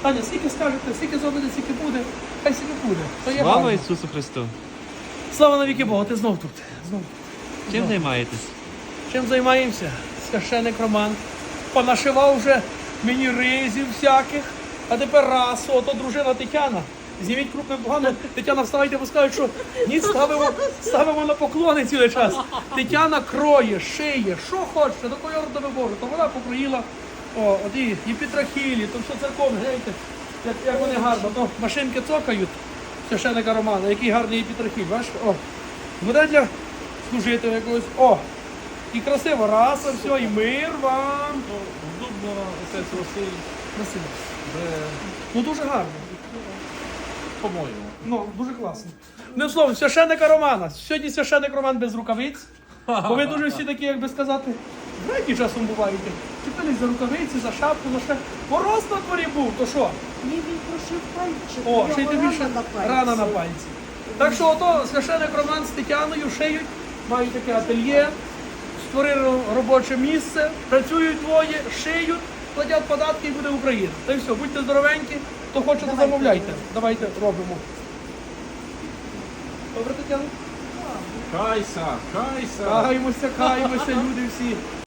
Таня, скільки скажете, скільки зробите, скільки буде, хай скільки буде. То є Слава гарно. Ісусу Христу! Слава навіки Богу, ти знов тут. Знов. Чим займаєтесь? Чим займаємося? Священик Роман. Понашивав вже мені ризів всяких. А тепер раз, ото дружина Тетяна. Зніміть крупне погано. Тетяна, вставайте, бо скажуть, що ні, ставимо на поклони цілий час. Тетяна кроє, шиє, що хоче, до кольору до вибору. То вона покроїла, от і Петрахілі, то все церковне, гляньте, як вони гарно. То машинки цокають священика Романа, який гарний Петрахіль, бачиш? Буде для служити якогось, і красиво, раз, і все, і мир вам. Дубно отець Василь, Красиво. де, Ну дуже гарно. по-моєму. Ну, дуже класно. Не словом, священника Романа. Сьогодні священник Роман без рукавиць. Бо ви дуже всі такі, як би сказати, знаєте, часом буваєте. Чіпились за рукавиці, за шапку, за ще. Мороз на дворі був, то що? Ні, він прошив пальчик. Ще й тим більше рана на пальці. Так що ото священник Роман з Тетяною шиють, мають таке ательє, створили робоче місце, працюють двоє, шиють, платять податки і буде Україна. Та й все, будьте здоровенькі, хто хочете, замовляйте. Давайте робимо. Добре, Тетяна? Кайся, кайся. Каємося, люди всі.